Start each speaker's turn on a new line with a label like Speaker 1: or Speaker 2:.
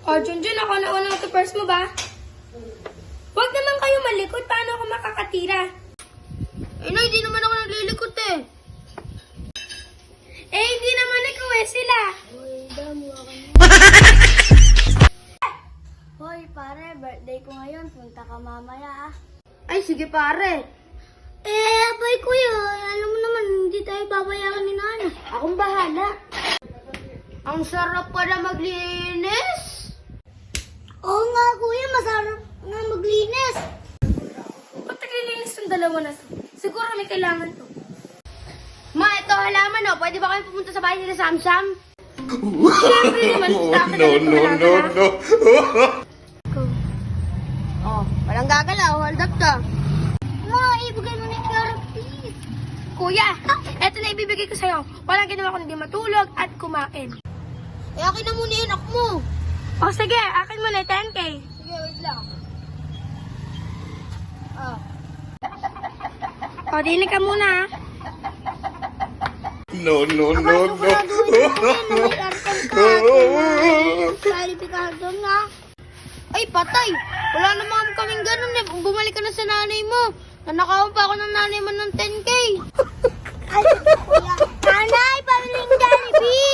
Speaker 1: O, Junjun, ako na unang first mo ba? Huwag naman kayo malikot. Paano ako makakatira?
Speaker 2: Nay, di naman ako naglilikot eh.
Speaker 1: Eh, hindi naman ikaw eh, sila.
Speaker 2: Hoy, damo ako Hoy, pare, birthday ko ngayon. Punta ka mamaya ah. Ay, sige pare. Abay kuya, alam mo naman, hindi tayo babayaran ni Nana. Akong bahala. Ang sarap pala maglinis. Oo nga kuya, masarap nga maglinis.
Speaker 1: Ba't naglilinis yung dalawa na to? Siguro may kailangan to.
Speaker 2: Ma, ito halaman oh. Pwede ba kayo pumunta sa bahay nila Samsam?
Speaker 1: Siyempre naman, dapat na ito halaman, ha?
Speaker 2: Oh, walang gagalaw. Hold up ka. Ma, ibigay mo na yung pera, please.
Speaker 1: Kuya, eto na ibibigay ko sa'yo. Walang ginawa kundi matulog at kumain.
Speaker 2: Eh, akin na muna yung anak mo.
Speaker 1: O sige, akin mo na 10K.
Speaker 2: Sige, wait lang. Ah.
Speaker 1: O, dinig ka muna, ha?
Speaker 3: No.
Speaker 2: Kwalipikado nga. Ay, patay. Wala naman kaming ganun eh. Bumalik ka na sa nanay mo. Nanakawan pa ako ng nanay mo ng 10K. Ay, kuya. Nanay, pamiling Jollibee.